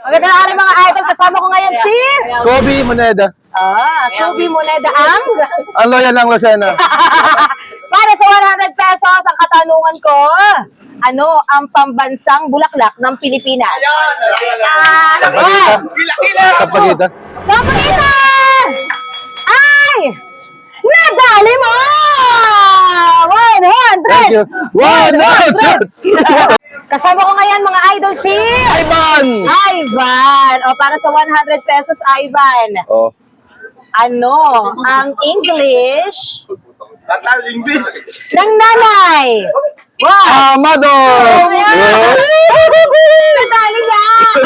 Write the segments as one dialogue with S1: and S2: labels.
S1: Magandang araw mga idol. Kasama ko ngayon si...
S2: Kobe Moneda.
S1: Kobe Moneda ang...
S2: Ang loyal ng Lucena.
S1: Para sa 100 pesos, ang katanungan ko, ano ang pambansang bulaklak ng Pilipinas?
S2: Kapagita.
S1: Sa Pagitan! Ay! Nadali mo! 100!
S2: Thank you. 100!
S1: Kasama ko ngayon mga idol si...
S2: Ivan!
S1: Ivan! O para sa 100 pesos, Ivan.
S2: Oh.
S1: Ano ang English
S3: Tatal English.
S1: ng nanay? Wow!
S2: Amado!
S1: Nadali niya!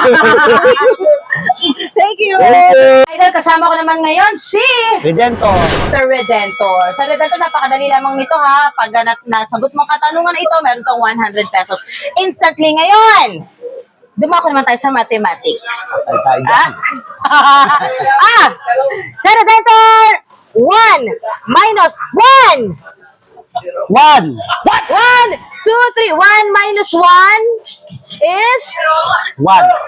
S1: Thank you!
S2: Thank you.
S1: Idol, kasama ko naman ngayon si
S2: Redento.
S1: Sir Redentor. Sir Redentor, napakadali lamang nito ha. Pag nasagot mo ang katanungan na ito, meron tong 100 pesos. Instantly ngayon! Dumako naman tayo sa mathematics.
S2: Ay, tayo dyan.
S1: Sir Redentor! 1 minus 1!
S2: 1.
S1: 1, 2, 3. 1 minus 1 is...
S2: 1. 2.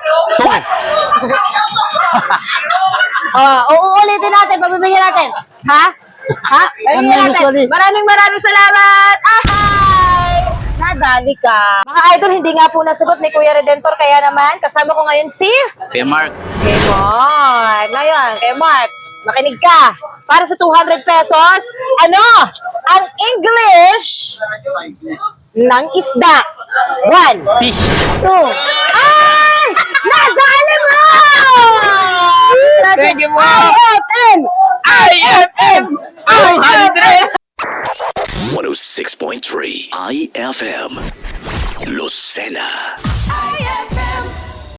S1: Uulitin natin, pabibigyan natin. Ha? Pabibigyan natin. Maraming salamat. Ahay! Nadali ka. Mga idol, hindi nga po nasagot ni Kuya Redentor, kaya naman, kasama ko ngayon si...
S3: Kuya Mark.
S1: Kay Mark. Ngayon, kay Mark, makinig ka. Para sa 200 pesos, ano ang English ng isda? 1,
S3: Fish.
S1: 2. Ay! Nadali mo!
S3: Thank you,
S1: IFM!
S3: IFM!
S4: 106.3 IFM Lucena.